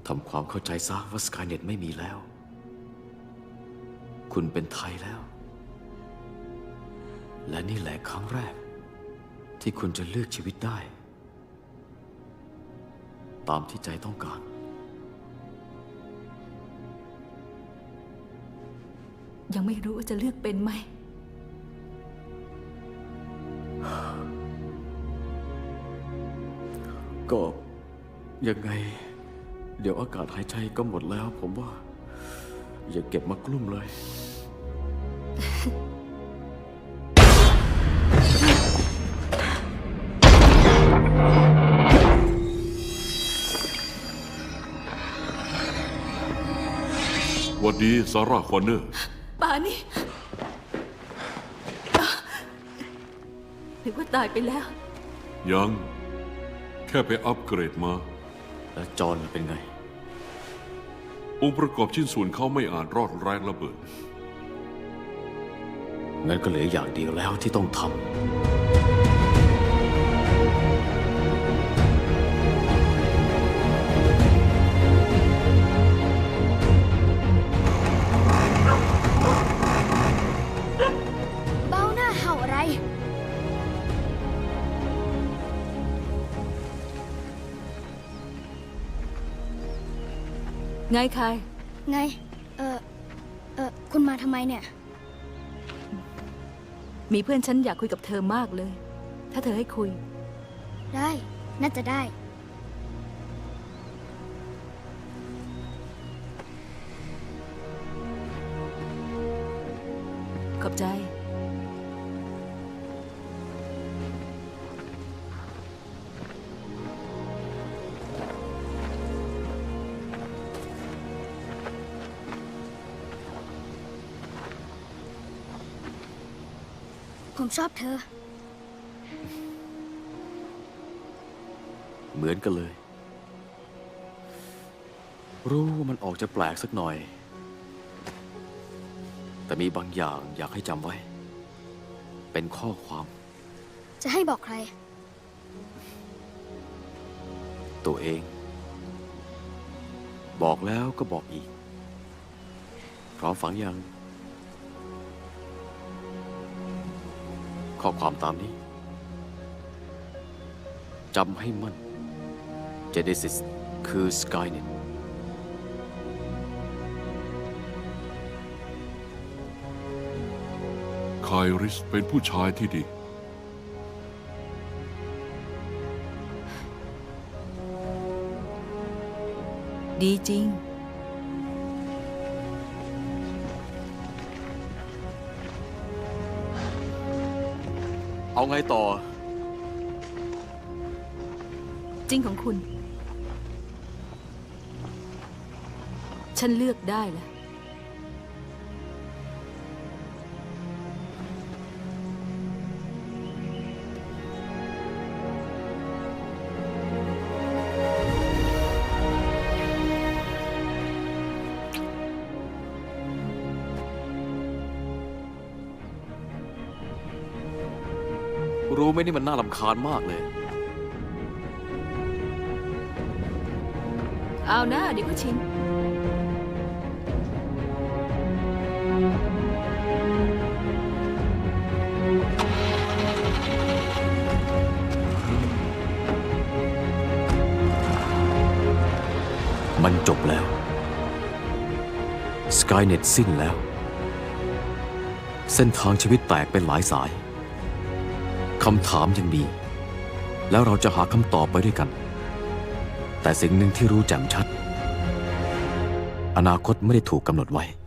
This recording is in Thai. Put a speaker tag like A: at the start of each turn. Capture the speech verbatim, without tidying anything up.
A: ทำความเข้าใจซะว่าสกายเน็ตไม่มีแล้วคุณเป็นไทยแล้วและนี่แหละครั้งแรกที่คุณจะเลือกชีวิตได้ตามที่ใจต้องการ
B: ยังไม่รู้ว่าจะเลือกเป็นไหม
A: ก็ยังไงเดี๋ยวอากาศหายใจก็หมดแล้วผมว่าอย่าเก็บมากลุ้มเลย
C: หวัดดีซาร่าคอนเนอร์
B: ป่านี่นึกว่าตายไปแล้ว
C: ยัง แค่ไปอัปเกรดมา
A: แล้วจอห์นเป็นไง
C: องค์ประกอบชิ้นส่วนเขาไม่อาจรอดแรงระเบิด
A: งั้นก็เหลืออย่างเดียวแล้วที่ต้องทำ
D: เบ้าหน้าเห่าอะไร
B: ไงใคร
D: ไง เออเออคุณมาทำไมเนี่ย
B: มีเพื่อนฉันอยากคุยกับเธอมากเลย ถ้าเธอให้คุย
D: ได้ น่าจะได้
B: ขอบใจ
D: ผมชอบเธอ
A: เหมือนกันเลย รู้ว่ามันออกจะแปลกสักหน่อย แต่มีบางอย่างอยากให้จำไว้ เป็นข้อความ
D: จะให้บอกใคร
A: ตัวเอง บอกแล้วก็บอกอีกพร้อมฟังยังข้อความตามนี้จำให้มั่น Genesis คือ Skynet
C: ไคริสเป็นผู้ชายที่ดี
B: ดีจริง
A: เอาไงต่อ
B: จริงของคุณ ฉันเลือกได้แล้ว
A: รู้ไหมนี่มันน่ารำคาญมากเลย
B: เอานะเดี๋ยวก็ชิน
A: มันจบแล้ว Skynet สิ้นแล้ว เส้นทางชีวิตแตกเป็นหลายสาย คำถามยังมี แล้วเราจะหาคำตอบไปด้วยกัน แต่สิ่งหนึ่งที่รู้แจ่มชัด อนาคตไม่ได้ถูกกำหนดไว้